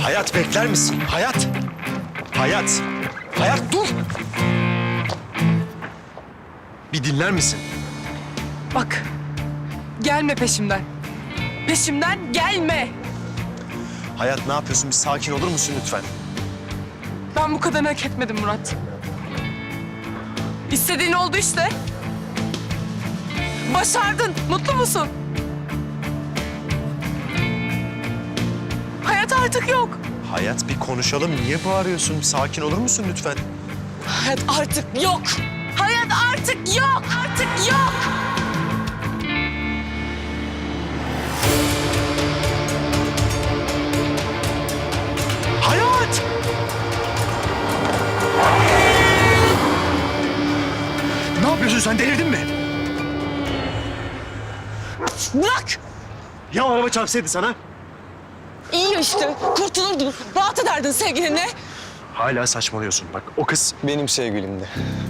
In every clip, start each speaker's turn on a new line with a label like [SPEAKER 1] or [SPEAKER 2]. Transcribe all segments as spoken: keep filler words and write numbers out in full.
[SPEAKER 1] Hayat bekler misin? Hayat. Hayat. Hayat dur. Bir dinler misin?
[SPEAKER 2] Bak, gelme peşimden. Peşimden gelme.
[SPEAKER 1] Hayat ne yapıyorsun? Bir sakin olur musun lütfen?
[SPEAKER 2] Ben bu kadarını hak etmedim Murat. İstediğin oldu işte. Başardın. Mutlu musun? Hayat artık yok.
[SPEAKER 1] Hayat bir konuşalım. Niye bağırıyorsun? Bir sakin olur musun lütfen?
[SPEAKER 2] Hayat artık yok. Hayat artık yok. Artık yok.
[SPEAKER 1] Hayat! Ne yapıyorsun sen? Delirdin mi?
[SPEAKER 2] Bırak.
[SPEAKER 1] Ya araba çarpsaydı sana?
[SPEAKER 2] İyi işte. Kurtulurdun. Rahat ederdin sevgilinle.
[SPEAKER 1] Hala saçmalıyorsun. Bak o kız...
[SPEAKER 3] Benim sevgilimdi.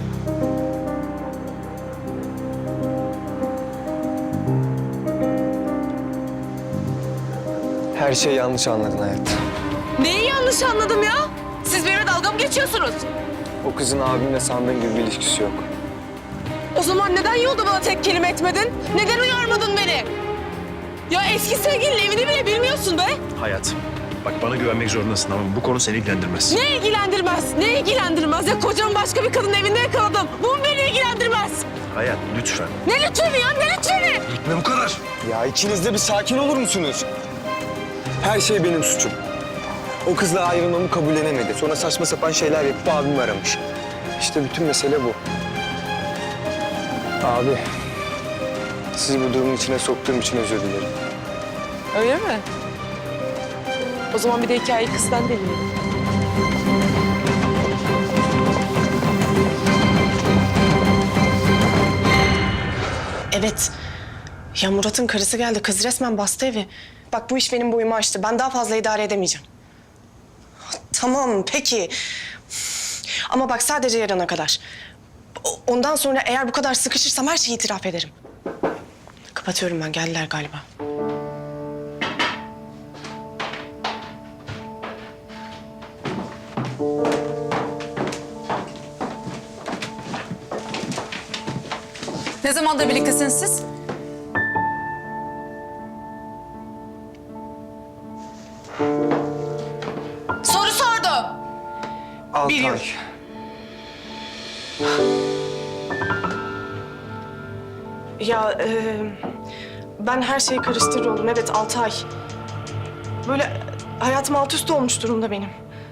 [SPEAKER 3] Her şeyi yanlış anladın hayat.
[SPEAKER 2] Neyi yanlış anladım ya? Siz benimle dalga mı geçiyorsunuz?
[SPEAKER 3] O kızın abimle sandığın gibi bir ilişkisi yok.
[SPEAKER 2] O zaman neden yolda bana tek kelime etmedin? Neden uyarmadın beni? Ya eski sevgilinin evini bile bilmiyorsun be.
[SPEAKER 1] Hayat. Bak bana güvenmek zorundasın ama bu konu seni ilgilendirmez.
[SPEAKER 2] Ne ilgilendirmez? Ne ilgilendirmez? Ya kocamı başka bir kadının evinde yakaladım. Bu mu beni ilgilendirmez?
[SPEAKER 1] Hayat lütfen.
[SPEAKER 2] Ne lütfeni ya? Ne lütfeni?
[SPEAKER 1] Gitme bu kadar.
[SPEAKER 3] Ya ikiniz de bir sakin olur musunuz? Her şey benim suçum. O kızla ayrılmamı kabullenemedi. Sonra saçma sapan şeyler yapıp abimi aramış. İşte bütün mesele bu. Abi, sizi bu durumun içine soktuğum için özür dilerim.
[SPEAKER 2] Öyle mi? O zaman bir de hikayeyi kızdan dinleyelim.
[SPEAKER 4] Evet. Ya Murat'ın karısı geldi. Kız resmen bastı evi. Bak bu iş benim boyumu aştı. Ben daha fazla idare edemeyeceğim. Tamam peki. Ama bak sadece yarına kadar. O- Ondan sonra eğer bu kadar sıkışırsam her şeyi itiraf ederim. Kapatıyorum ben. Geldiler galiba.
[SPEAKER 5] Ne zamandır birliktesiniz siz?
[SPEAKER 2] Soru sordu.
[SPEAKER 3] Altı
[SPEAKER 4] Bir
[SPEAKER 3] ay.
[SPEAKER 4] Ya e, ben her şeyi karıştırıyorum. Evet altı ay. Böyle hayatım alt üst olmuş durumda benim.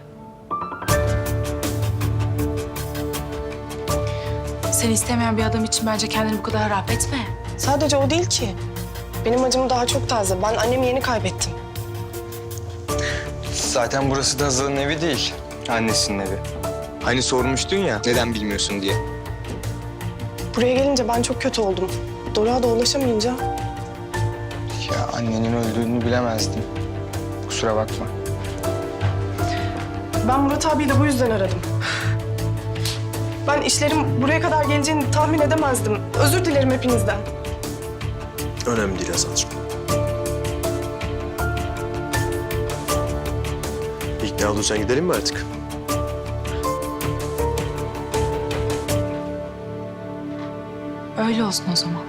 [SPEAKER 5] Seni istemeyen bir adam için bence kendini bu kadar harap etme.
[SPEAKER 4] Sadece o değil ki. Benim acım daha çok taze. Ben annemi yeni kaybettim.
[SPEAKER 3] Zaten burası da Hazal'ın evi değil. Annesinin evi. Hani sormuştun ya neden bilmiyorsun diye.
[SPEAKER 4] Buraya gelince ben çok kötü oldum. Doruk'a da ulaşamayınca
[SPEAKER 3] Ya annenin öldüğünü bilemezdim. Kusura bakma.
[SPEAKER 4] ben Murat abiyi de bu yüzden aradım. Ben işlerim buraya kadar geleceğini tahmin edemezdim. Özür dilerim hepinizden.
[SPEAKER 1] Önemli değil Hazal'cığım. İkna olduysan gidelim mi artık?
[SPEAKER 5] Öyle olsun o zaman.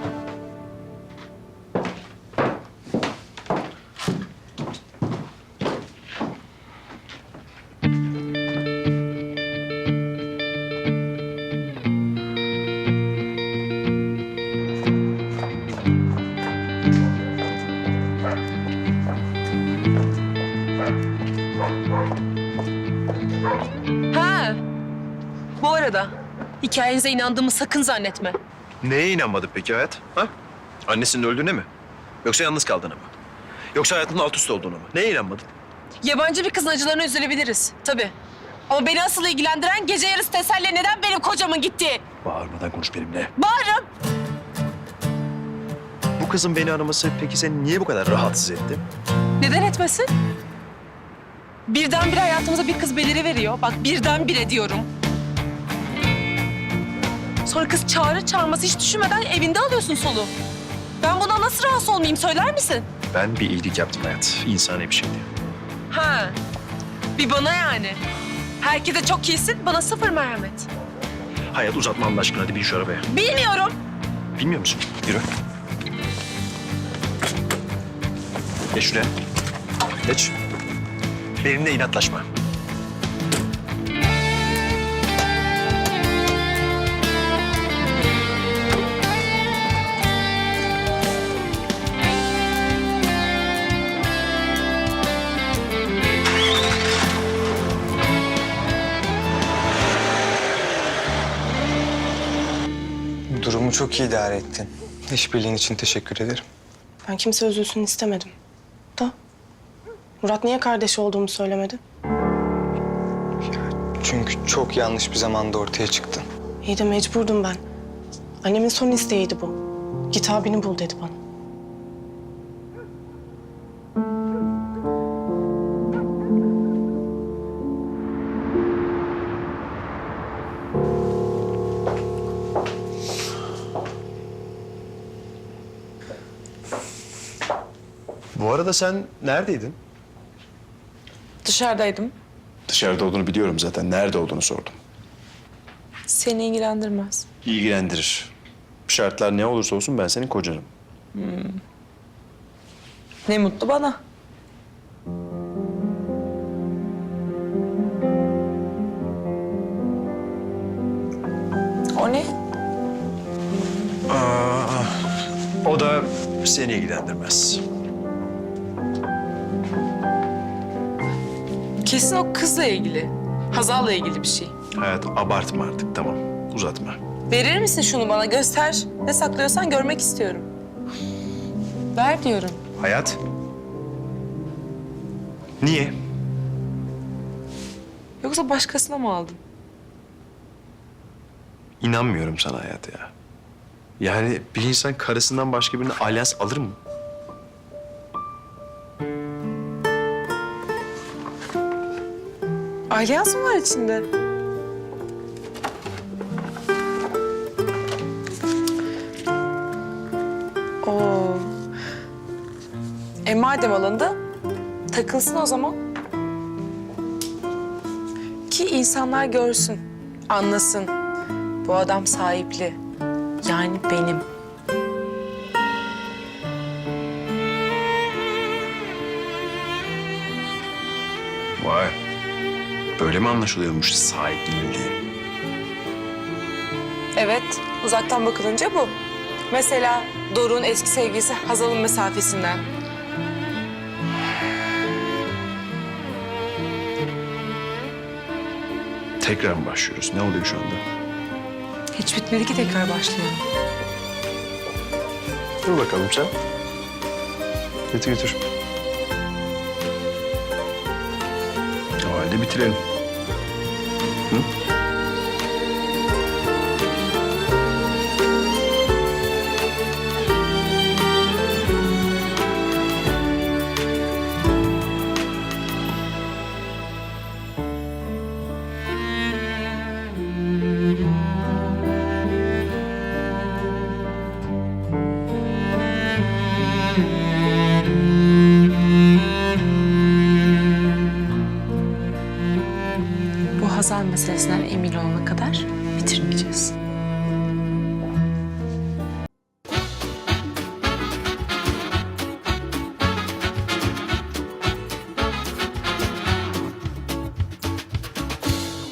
[SPEAKER 2] Ha. Bu arada hikayenize inandığımı sakın zannetme.
[SPEAKER 1] Neye inanmadı peki Hayat? Ha? Annesinin öldüğüne mi? Yoksa yalnız kaldığına mı? Yoksa hayatının alt üst olduğuna mı? Neye inanmadın?
[SPEAKER 2] Yabancı bir kızın acılarına üzülebiliriz tabii. Ama beni asıl ilgilendiren gece yarısı teselli neden benim kocamın gittiği.
[SPEAKER 1] Bağırmadan konuş benimle.
[SPEAKER 2] Bağırın.
[SPEAKER 1] Bu kızın beni araması peki seni niye bu kadar rahatsız etti?
[SPEAKER 2] Neden etmesin? Birdenbire hayatımıza bir kız beliriveriyor. Bak birdenbire diyorum. Sonra kız çağrı çağırması hiç düşünmeden evinde alıyorsun soluğu. Ben buna nasıl rahatsız olmayayım söyler misin?
[SPEAKER 1] Ben bir iyilik yaptım Hayat. İnsani bir şeydi.
[SPEAKER 2] Ha. Bir bana yani. Herkese çok iyisin, bana sıfır merhamet.
[SPEAKER 1] Hayat uzatma Allah aşkına, hadi bin şu arabaya.
[SPEAKER 2] Bilmiyorum.
[SPEAKER 1] Bilmiyor musun? Yürü. Geç şuraya. Geç. Benimle inatlaşma.
[SPEAKER 3] Durumu çok iyi idare ettin. İşbirliğin için teşekkür ederim.
[SPEAKER 4] Ben kimse üzülsün istemedim. Da Murat niye kardeşi olduğumu söylemedi?
[SPEAKER 3] Çünkü çok yanlış bir zamanda ortaya çıktın.
[SPEAKER 4] İyi de mecburdum ben. Annemin son isteğiydi bu. Git abini bul dedi bana.
[SPEAKER 1] Bu arada sen neredeydin?
[SPEAKER 2] Dışarıdaydım.
[SPEAKER 1] Dışarıda olduğunu biliyorum zaten. Nerede olduğunu sordum.
[SPEAKER 2] Seni ilgilendirmez.
[SPEAKER 1] İlgilendirir. Şartlar ne olursa olsun ben senin kocanım.
[SPEAKER 2] Ne mutlu bana. O ne?
[SPEAKER 1] Aa, o da seni ilgilendirmez.
[SPEAKER 2] Kesin o kızla ilgili. Hazal'la ilgili bir şey.
[SPEAKER 1] Hayat, abartma artık, tamam. Uzatma.
[SPEAKER 2] Verir misin şunu bana? Göster. Ne saklıyorsan görmek istiyorum. Ver diyorum.
[SPEAKER 1] Hayat. Niye?
[SPEAKER 2] Yoksa başkasına mı aldın?
[SPEAKER 1] İnanmıyorum sana Hayat ya. Yani bir insan karısından başka birine alyans alır mı?
[SPEAKER 2] Alyans mı var içinde? Oo. E madem alındı, takılsın o zaman. Ki insanlar görsün, anlasın. Bu adam sahipli. Yani benim.
[SPEAKER 1] Vay. Böyle mi anlaşılıyormuş sahipliğin diye?
[SPEAKER 2] Evet, uzaktan bakılınca bu. Mesela Doruk'un eski sevgilisi Hazal'ın mesafesinden.
[SPEAKER 1] Tekrar mı başlıyoruz? Ne oluyor şu anda?
[SPEAKER 2] Hiç bitmedi ki tekrar başlayalım.
[SPEAKER 1] Dur bakalım sen. Götür götür. O halde bitirelim. Hı?
[SPEAKER 2] Bu Hazal meselesinden emin olana kadar bitirmeyeceğiz.